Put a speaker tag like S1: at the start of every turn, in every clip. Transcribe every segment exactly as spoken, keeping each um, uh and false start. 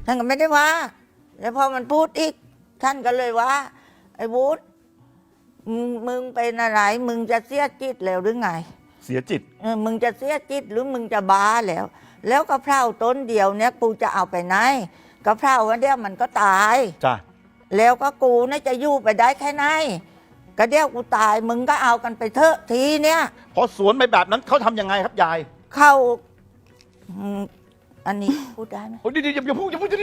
S1: ท่านก็ไม่ได้ว่าแล้วพอมันพูดอีกท่านก็เลยว่าไอ้วุฒิมึงมึงเป็นอะไรมึงจะเสียจิตแล้วหรือไง
S2: เสียจิต
S1: เออมึงจะเสียจิตหรือมึงจะบ้าแล้ว แล้วกะเพราต้นเดียวเนี่ยกูจะเอาไปไหนกะเพราวันเดียวมันก็ตาย
S2: จ้ะ
S1: แล้วก็กูน่าจะอยู่ไปได้แค่ไหนก็เดี๋ยวกูตายมึงก็เอากันไปเถอะทีเนี้ย
S2: พอสวนไปแบบนั้นเขาทำยังไงครับยาย
S1: เข้าอันนี้พูดได้ไหม
S2: โอ้ยเดี๋ยวอย่าพูดอย่าพูดเดี๋ยว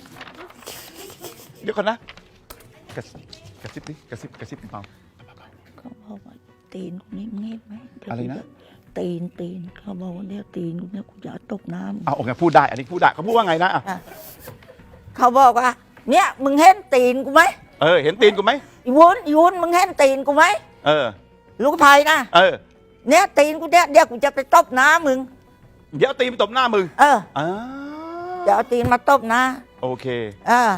S2: เดี๋ยวก่อนนะกระซิบกระซิบดิกระซิบกระซิบเบา
S1: เขาบอกว่าตีนกูนี่เงียบไหม
S2: อะไรนะ
S1: ตีนตีนเขาบอกว่าเดี๋ยวตีนกูเนี่ยกูจะตกน้ำ
S2: เอาโอเคพูดได้อันนี้พูดได้เขาพูดว่าไงนะ
S1: เขาบอกว่าเนี่ยมึงเห็นตีนกูไหม
S2: เออเห็นตีนกูไหม
S1: อีวุ้นอีวุ้นมึงเห็นตีนกูไหม
S2: เออ
S1: ลูกไผ่นะ
S2: เออ
S1: เนี่ยตีนกูเนี่ยเดี๋ยวกูจะไปตบน้ามึง
S2: เดี๋ยวตีนตบหน้ามึง
S1: เออ
S2: อ่า
S1: เดี๋ยวเอาตีนมาตบนะ
S2: โอเค
S1: อ่า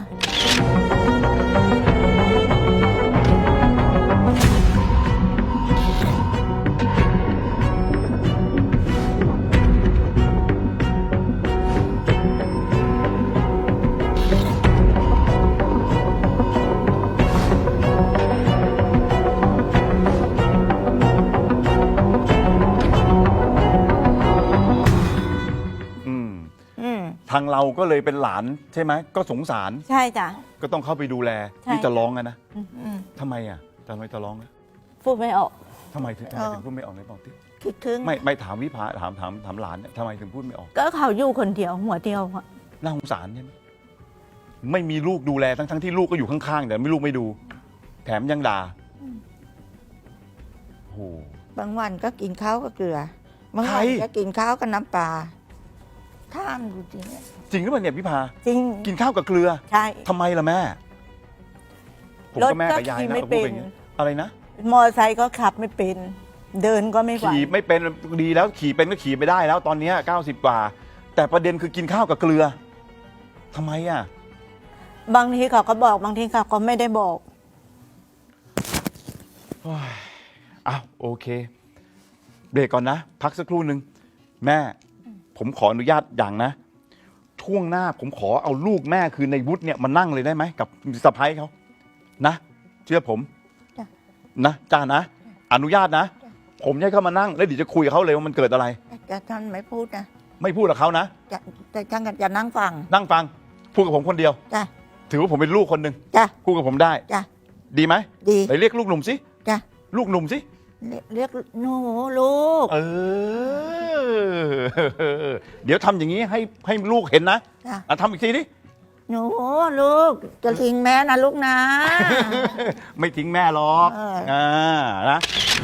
S2: ทางเราก็เลยเป็นหลานใช่ไหมก็สงสาร
S1: ใช่จ้ะ
S2: ก็ต้องเข้าไปดูแลที่จะร้องกันนะทำไมอ่ะทำไมจะร้องนะ
S1: พูดไม่ออก
S2: ทำไมถึงถึงพูดไม่ออกในบอกที่
S1: คิดถึง
S2: ไม่ไม่ถามวิภาถามถามถามหลานเนี่ยทำไมถึงพูดไม่ออก
S1: ก็เขาอยู่คนเดียวหัวเดียวอะ
S2: น่าสงสารใช่ไหมไม่มีลูกดูแลทั้งทั้งที่ลูกก็อยู่ข้างๆแต่ไม่ลูกไม่ดูแถมยังด่าโอ้
S1: บางวันก็กินข้าวก็เกลือบางวันก็กินข้าวกับน้ำปลาท่ามดูจริง
S2: จริงหรือเปล่าเนี่ยพี่พา
S1: จริง
S2: กินข้าวกับเกลือ
S1: ใช่
S2: ทำไมล่ะแม่ผมก็แม่กับยายนะพูดอย่างนี้อะไรนะ
S1: มอเตอร์ไซค์ก็ขับไม่เป็นเดินก็ไม่ไหว
S2: ขี่ไม่เป็นดีแล้วขี่เป็นก็ขี่ไม่ได้แล้วตอนนี้เก้าสิบกว่าแต่ประเด็นคือกินข้าวกับเกลือทำไมอ่ะ
S1: บางทีเขาก็บอกบางทีเขาก็ไม่ได้บอก
S2: อ้าวโอเคเบรกก่อนนะพักสักครู่หนึ่งแม่ผมขออนุญาตอย่างนะช่วงหน้าผมขอเอาลูกแม่คือในวุฒิเนี่ยมานั่งเลยได้ไหมกับสะพ้ายเขานะเชื่อผมนะจ้านะอนุญาตนะผมให้เขามานั่งแล้วเดี๋ยวจะคุยกับเขาเลยว่ามันเกิดอะไร
S1: แต่ท่านไม่พูดนะ
S2: ไม่พูดกับเขานะ
S1: แต่ท่านจะนั่งฟัง
S2: นั่งฟังพูดกับผมคนเดียว
S1: จ้ะ
S2: ถือว่าผมเป็นลูกคนหนึ่ง
S1: จ้ะ
S2: พูดกับผมได้
S1: จ้ะ
S2: ดีไหม
S1: ดี
S2: ไปเรียกลูกหนุ่มสิ
S1: จ้ะ
S2: ลูกหนุ่มสิ
S1: เรียกหนูลูก
S2: เออเดี๋ยวทำอย่างนี้ให้ให้ลูกเห็นนะทำอีกทีดิ
S1: หนูลูกจะทิ้งแม่นะลูกนะ
S2: ไม่ทิ้งแม่หรอกอ่านะ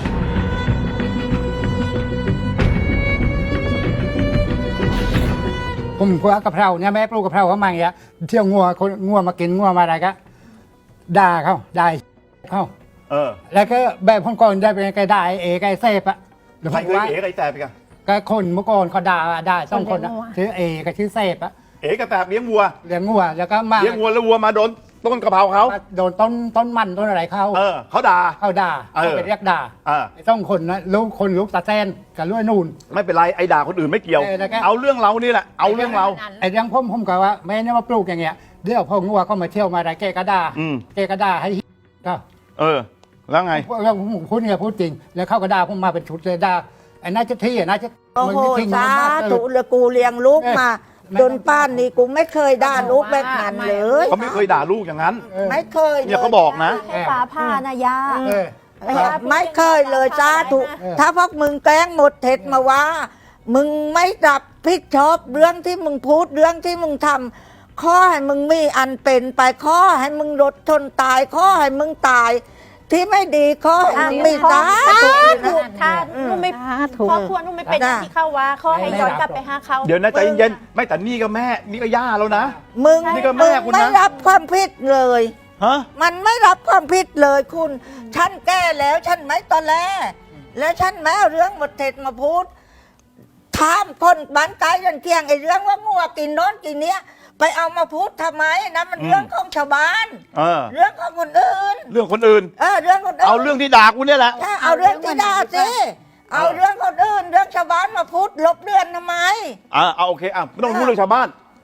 S3: ผมกลัวกะเพราเนี่ยแม่ปลูกกะเพราเขามาอย่างเงี้ยเที่ยวงัวคนงัวมากินงัวมาอะไรก็ด่าเขาด่าเขา
S2: เออ
S3: แล้วก็แบบคนก่อนได้เป็นไงได้เอไก่เซฟอะ
S2: ใครเคยเอไก่แตบไปกัน
S3: ก็คนเมื่อก่อนเขาด่าด่าสองคนชื่อเอกับชื่อเซฟอะ
S2: เอไก่แตบเลี้ยงวัว
S3: เลี้ยงวัวแล้วก็มา
S2: เลี้ยงวัวแล้ววัวมาโดนต้นกะเพราเขา
S3: โดนต้นต้นมันต้นอะไรเขา
S2: เออเขาด่า
S3: เขาด่าเขาไปเรียกด่าไอ้สองคนนะลูกคนลูกตาแซนกับลูกนูน
S2: ไม่เป็นไรไอ้ด่าคนอื่นไม่เกี่ยวเอาเรื่องเรานี่แหละเอาเรื่องเรา
S3: ไอ้เรื่องผมผมก็ว่าแม่เนี่ยมาปลูกอย่างเงี้ยเดี๋ยวพองัวก็มาเที่ยวมาอะไรแกก็ด่าแกก็ด่าให้ก็
S2: เออแล้วไง
S3: แล้วผมพูดเนี่ยพูดจริงแล้วเข้ากระดาผมมาเป็นชุดเลยด่าไอ้น่าจะที่อ่ะน่าจะ
S1: โอ้โหสาธุเลยกูเลี้ยงลูกมาจนป้านนี่กูไม่เคยด่าลูกแบบนั้นเลย
S2: เขาไม่เคยด่าลูกอย่างนั้น
S1: ไม่เคย
S2: เนี่ยเขาบอกนะ
S4: ฟ้าผ่านะยา
S1: ไม่เคยเลยสาธุถ้าพวกมึงแกล้งหมดเท็จมาว่ามึงไม่รับผิดชอบเรื่องที่มึงพูดเรื่องที่มึงทำข้อให้มึงมีอันเป็นไปข้อให้มึงรถชนตายข้อให้มึงตายที่ไม่ดีข้อให้มึงมีสา
S4: ธุค่ะนุ่มไม่ครอบครัวนุ่มไม่เป็นที่เข้าว่าข้อให้ย้อนกลับไปหาเขา
S2: เดี๋ยวนะใจเย็นไม่แต่นี่ก็แม่นี่ก็ย่าแล้วนะ
S1: มึงนี่ก็แม่คุณนะไม่รับความผิดเลย
S2: ฮะ
S1: มันไม่รับความผิดเลยคุณฉันแก้แล้วฉันไม่ตอนแรกแล้วฉันแม้เรื่องหมดเท็จมาพูดถามคนบ้านใกล้ยันเที่ยงไอ้เรื่องว่างัวกินโน้นกินเนี้ยไปเอามาพูดทำไมนะมันเรื่องของชาวบ้านเรื่องของคนอื่น
S2: เรื่องคนอื่น
S1: เออเรื่องคนอื่น
S2: เอาเรื่องที่ด่ากูเนี่ยแหละ
S1: เอาเรื่องที่ด่าสิเอาเรื่องคนอื่นเรื่องชาวบ้านมาพูดลบเลือนทำไม
S2: อ่าเอาโอเคอ่ะไม่ต้องพูดเรื่องชาวบ้าน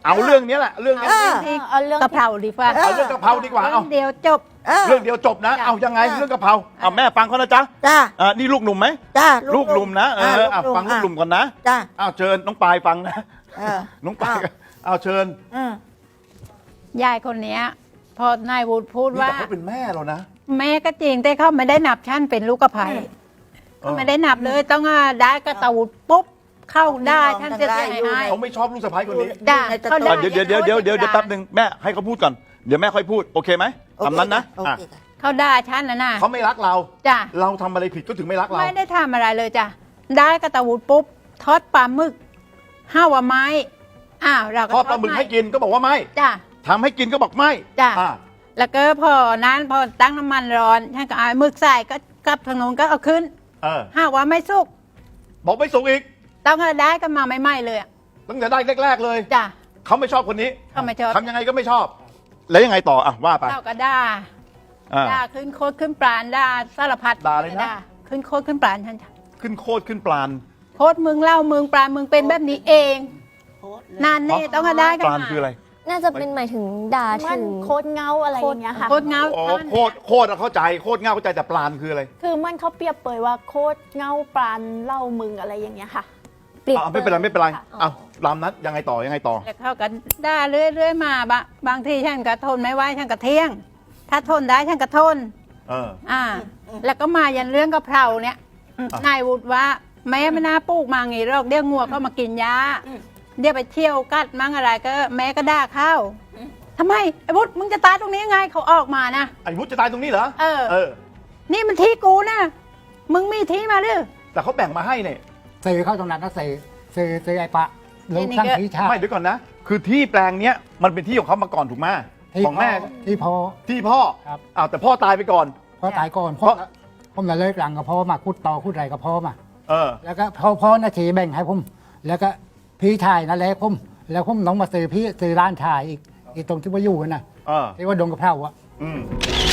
S2: เอาเรื่องนี้แหละเรื่องนี้
S1: เออ
S4: ที่เอาเรื่อง
S5: กะเพราดีกว่า
S2: เอาเรื่องกะเพราดีกว่าเอา
S5: เดียวจบ
S1: เออ
S2: เรื่องเดียวจบนะ เอายังไงเรื่องกะเพราเอาแม่ฟังเขานะจ๊ะ
S1: จ้า
S2: อ่านี่ลูกหนุ่มไหม
S1: จ้า
S2: ลูกหนุ่มนะเอออ่ะฟังลูกหนุ่มก่อนนะ
S1: จ้า
S2: อ้าวเชิญน้องปายฟังนะ
S1: เออ
S2: น้องปายอ้าวเชิญ
S1: อืม
S5: ยายคนเนี้ย พอนายวุฒิพูด
S2: นี่
S5: ว่า
S2: แต่เขาเป็นแม่เรานะ
S5: แม่ก็จริงแต่เขาไม่ได้นับชั้นเป็นลูกกระไผ่เขาไม่ได้นับเลยต้องได้กระตูดปุ๊บเข้าได้ท่านจะเสียหาย
S2: เขาไม่ชอบลูกสะใภ้คนนี้
S5: จ้ะเขาได้
S2: อ่ะเดี๋ยวเดี๋ยวเดี๋ยวเดี๋ยวเดี๋ยวเดี๋ยวแป๊บหนึงแม่ให้เขาพูดก่อนเดี๋ยวแม่ค่อยพูดโอเคไหมตามนั้นนะ
S1: โอ
S2: อ่ะ
S1: เคค่ะ
S5: เขาได้ชั้นนะนะ
S2: เขาไม่รักเรา
S5: จ้ะ
S2: เราทำอะไรผิดก็ถึงไม่รักเรา
S5: ไม่ได้ทำอะไรเลยจ้ะได้กระตูดปุ๊บทอดปลาหมึกห้าวไม้อ้าวเราก็
S2: ทอดปลาหมึกให้กินก็บอกว่าไม่
S5: จ้ะ
S2: ทำให้กินก็บอกไม่
S5: จ้ะ
S2: อ่ะ
S5: แล้วก็พอนั้นพอตั้งน้ำมันร้อนท่านก็เอาหมึกใส่ก็กลับทางโน้นก็เอาขึ้น
S2: เออ
S5: ห้าว่าไม่สุก
S2: บอกไม่สุกอีก
S5: ต้องเอาได้ก็มาไม่ไหม้เลยอะ
S2: ตั้งแต่ได้แรกๆเลย
S5: จ้ะ
S2: เขาไม่ชอบคนนี้
S5: เขาไม่ชอบ
S2: ทำยังไงก็ไม่ชอบ แล้วยังไงต่ออ่ะว่าไป
S5: เราก็ด่า
S2: อ่า
S5: ด่าขึ้นโคตรขึ้นปราณด่าสารพัด
S2: ด่าเลยนะ
S5: ขึ้นโคตรขึ้นปราณท่านจ้ะ
S2: ขึ้นโคตรขึ้นปลาน
S5: โคตรมึงเล่ามึงปราณมึงเป็นแบบนี้เองนานนี่ต้องเอาได้กัน
S2: ปลานคืออะไร
S6: น่าจะเป็นหมายถึงด่า
S4: มั
S6: ถึ
S4: น
S6: ง
S4: โคตรเงาอะไรอย่างเงี้ยค่ะ
S5: โคตรเงา
S2: อ๋อ
S5: ท่าน
S2: โคตรโคตรอะเข้าใจโคตรเง่าเข้าใจแต่ปลานคืออะไร
S4: คือมันเขาเปรียบเปรยว่าโคตรเงาปรานเล่ามึงอะไรอย่างเงี้ยค่ะ
S6: เปรียบ
S2: อ่ะไม่เป็นไรไม่เป็นไร
S4: ค่ะ
S2: เอาลามนัดยังไงต่อยังไงต่อ
S5: แล้วเขาก็ด่าเรื่อยๆมาบะบางทีฉันก็ทนไม่ไหวฉันก็เที่ยง ถ้าทนได้ฉันก็ทน
S2: เออ
S5: อ่า แล้วก็มายันเรื่องกะเพราเนี่ย
S2: อ่ะ
S5: นายวุฒิว่าแม่ไม่น่าปลูกมางี้หรอกเดี๋ยวงัวก็มากินยาเดี๋ยวไปเที่ยวกัดมั่งอะไรก็แม่ก็ด่าเข้าทำไมไอ้วุฒิมึงจะตายตรงนี้ยังไงเขาออกมานะ
S2: ไอ้วุฒิจะตายตรงนี้เหรอ
S5: เออ
S2: เออ
S5: นี่มันที่กูนะมึงมีที่มาหรือ
S2: แต่เขาแบ่งมาให้เนี่ย
S3: ซื้อเข้าตรงนั้นก็ซื้อซื้อซื้อไอ้ปะลูก
S5: นี่
S3: ทั้ง
S5: ก็
S3: พี่ชา
S2: ไม่เดี๋ยวก่อนนะ คือที่แปลงเนี้ยมันเป็นที่ของเขามาก่อนถูกไหม
S3: ที่
S2: ของแม่
S3: พ่ที่พ่อ
S2: ที่พ่อ
S3: ครับ
S2: อ้าวแต่พ่อตายไปก่อน
S3: พ่อตายก่อน
S2: เพ
S3: พ่อ
S2: ราะ
S3: ผมเลยเลิกหลังกับพ่อมาคุดต่อคุดไรกับพ่อมา
S2: เออ
S3: แล้วก็พ่อพ่อนาทีแบ่งให้ผม แล้วก็พี่ชายนั่นแหละผมแล้วผมน้องมาซื้อพี่ซื้อร้านชายอีกอีกตรงที่ว่าอยู่กันนะ
S2: เออ
S3: ที่ว่าดงกระเพราอะ
S2: อืม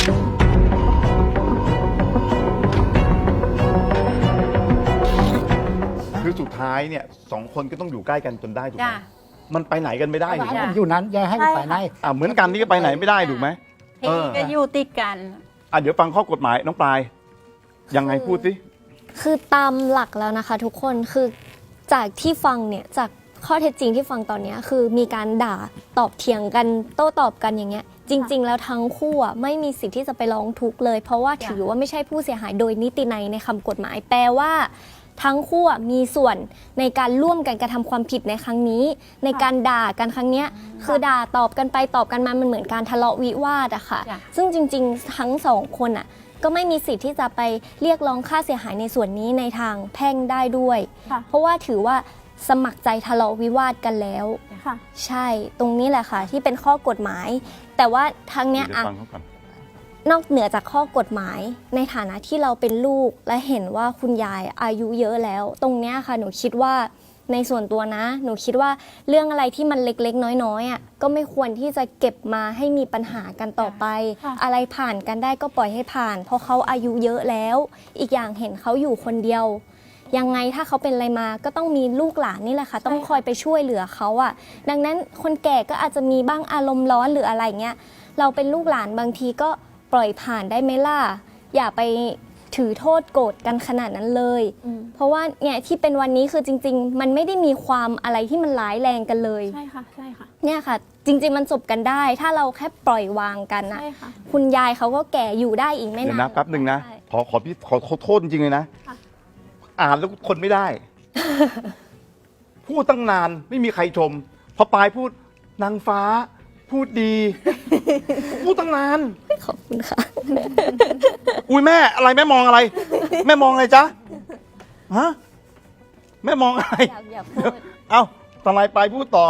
S2: คือสุดท้ายเนี่ยสองคนก็ต้องอยู่ใกล้กันจนได้ถูกไห
S5: จ้ะ
S2: มมันไปไหนกันไม่ได้ถูกไหม
S3: ผมอยู่นั้นอย่าให้ผมไปไหน
S2: อ่าเหมือนกันนี่ก็ไปไหนไม่ได้ถูกไหม เอ
S5: ที่
S2: อ
S5: ก็อยู่ติดกัน
S2: อ่ะเดี๋ยวฟังข้อกฎหมายน้องปลาย ยังไงพูดสิ
S6: คือตามหลักแล้วนะคะ ทุกคนคือจากที่ฟังเนี่ยจากข้อเท็จจริงที่ฟังตอนเนี้ยคือมีการด่าตอบเถียงกันโต้ตอบกันอย่างเงี้ยจริง ๆ แล้วทั้งคู่อะไม่มีสิทธิ์ที่จะไปร้องทุกข์เลย เพราะว่าถือว่าไม่ใช่ผู้เสียหายโดยนิตินัยในคำกฎหมาย แปลว่า ทั้งคู่อะมีส่วนในการร่วมกันกระทำความผิดในครั้งนี้ ในการด่ากันครั้งเนี้ยคือด่าตอบกันไปตอบกันมามันเหมือนการทะเลาะวิวาทอะค่ะ
S5: จ้ะ
S6: ซึ่งจริง ๆ ทั้งสองคนอะก็ไม่มีสิทธิ์ที่จะไปเรียกร้องค่าเสียหายในส่วนนี้ในทางแพ่งได้ด้วย
S4: ค่ะ
S6: เพราะว่าถือว่าสมัครใจทะเลาะวิวาทกันแล้ว
S4: ค่ะ
S6: ใช่ตรงนี้แหละค่ะ ที่เป็นข้อกฎหมาย แต่ว่าทางเนี้ย
S2: เดี๋ยว
S6: อะ
S2: ฟังเขาก่อน
S6: นอกเหนือจากข้อกฎหมาย ในฐานะที่เราเป็นลูกและเห็นว่าคุณยายอายุเยอะแล้ว ตรงเนี้ยค่ะหนูคิดว่าในส่วนตัวนะ หนูคิดว่าเรื่องอะไรที่มันเล็กๆ น้อยๆอ่ะก็ไม่ควรที่จะเก็บมาให้มีปัญหากันต่อไป
S4: ค่ะ
S6: อะไรผ่านกันได้ก็ปล่อยให้ผ่าน เพราะเขาอายุเยอะแล้ว อีกอย่างเห็นเขาอยู่คนเดียว ยังไงถ้าเขาเป็นอะไรมาก็ต้องมีลูกหลานนี่แหละค่ะ ต้องคอยไปช่วยเหลือเขาอ่ะ ดังนั้นคนแก่ก็อาจจะมีบ้างอารมณ์ร้อนหรืออะไรเงี้ยเราเป็นลูกหลานบางทีก็ปล่อยผ่านได้ไหมล่ะอย่าไปถือโทษโกรธกันขนาดนั้นเลย
S4: อืม
S6: เพราะว่าเนี่ยที่เป็นวันนี้คือจริง ๆ มันไม่ได้มีความอะไรที่มันร้ายแรงกันเลย
S4: ใช่ค่ะ ใช่ค่ะ
S6: เนี่ยค่ะ จริง ๆ มันจบกันได้ ถ้าเราแค่ปล่อยวางกันนะ
S4: ใช่ค่ะ
S6: คุณยายเขาก็แก่อยู่ได้อีกไม่
S2: เดี๋ย
S6: นาน
S2: วนะแป๊บหนึ่งนะ
S6: ใช่
S2: ขอขอพี่ขอขอโทษจริงๆเลยนะ
S4: ค่ะ
S2: อ่านแล้วคนไม่ได้ พูดตั้งนานไม่มีใครชม พอปลายพูดนางฟ้า พูดดี พูดตั้งนาน
S6: ขอบคุณค่ะ
S2: อุ้ยแม่อะไรแม่มองอะไร แม่มองอะไรจ๊ะฮะแม่มองอะไร
S6: อยากอยากพูด
S2: เอ้าทนายปลายพูดต่อ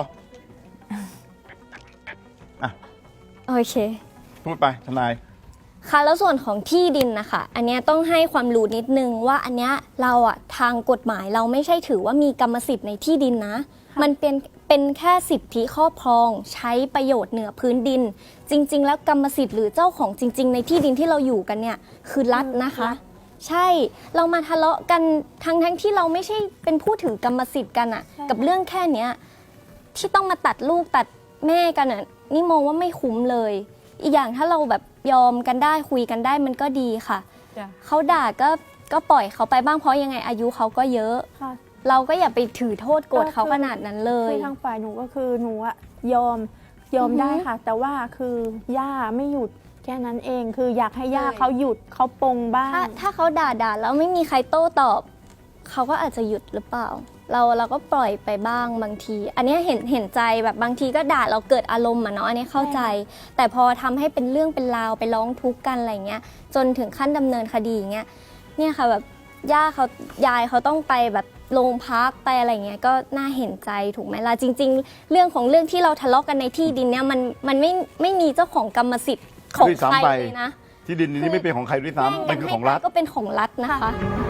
S6: โอเค
S2: พูดไปทนาย
S6: ค่ะแล้วส่วนของที่ดินนะคะอันเนี้ยต้องให้ความรู้นิดนึงว่าอันเนี้ยเราอะทางกฎหมายเราไม่ใช่ถือว่ามีกรรมสิทธิ์ในที่ดินนะ มันเป็นเป็นแค่สิทธิครอบครองใช้ประโยชน์เหนือพื้นดิน จริง ๆ แล้วกรรมสิทธิ์หรือเจ้าของจริง ๆ ในที่ดินที่เราอยู่กันเนี่ยคือรัฐนะคะ ใช่เรามาทะเลาะกันทั้งทั้งที่เราไม่ใช่เป็นผู้ถือกรรมสิทธิ์กันอะกับเรื่องแค่เนี้ยที่ต้องมาตัดลูกตัดแม่กันอ่ะนี่มองว่าไม่คุ้มเลย อีกอย่างถ้าเราแบบยอมกันได้คุยกันได้มันก็ดีค่ะ
S4: จ้ะ
S6: เขาด่าก็ก็ปล่อยเขาไปบ้างเพราะยังไงอายุเขาก็เยอะ
S4: ค่ะ
S6: เราก็อย่าไปถือโทษโกรธเขา
S4: ก็คือ
S6: ขนาดนั้นเลย
S4: คือทางฝ่ายหนูก็คือหนูอะยอมยอม
S6: อือฮึ
S4: ได้ค่ะ แต่ว่าคือย่าไม่หยุดแค่นั้นเอง คืออยากให้ย่า
S6: ใช่
S4: เขาหยุดเขาปรงบ้าง
S6: ถ้าถ้าเขาด่าด่าแล้วไม่มีใครโต้ตอบ เขาก็อาจจะหยุดหรือเปล่า เราเราก็ปล่อยไปบ้างบางที อันเนี้ยเห็นเห็นใจแบบบางทีก็ด่าเราเกิดอารมณ์อะเนาะอันนี้เข้าใจ แต่พอทำให้เป็นเรื่องเป็นราวไปร้องทุกข์กันอะไรเงี้ย จนถึงขั้นดำเนินคดีอย่างเงี้ยเนี่ยค่ะแบบย่าเขายายเขาต้องไปแบบโรงพักไปอะไรเงี้ยก็น่าเห็นใจถูกไหมล่ะจริง ๆ เรื่องของเรื่องที่เราทะเลาะกันในที่ดินเนี่ยมันมันไม่ไม่มีเจ้าของกรรมสิทธิ์ของ
S2: ด้วย
S6: ใคร
S2: ซ้ำไป
S6: เลยนะ
S2: ที่ดินนี้ไม่เป็นของใครด้วยซ้ำมันคือของรัฐ
S6: ก็เป็นของรัฐนะคะ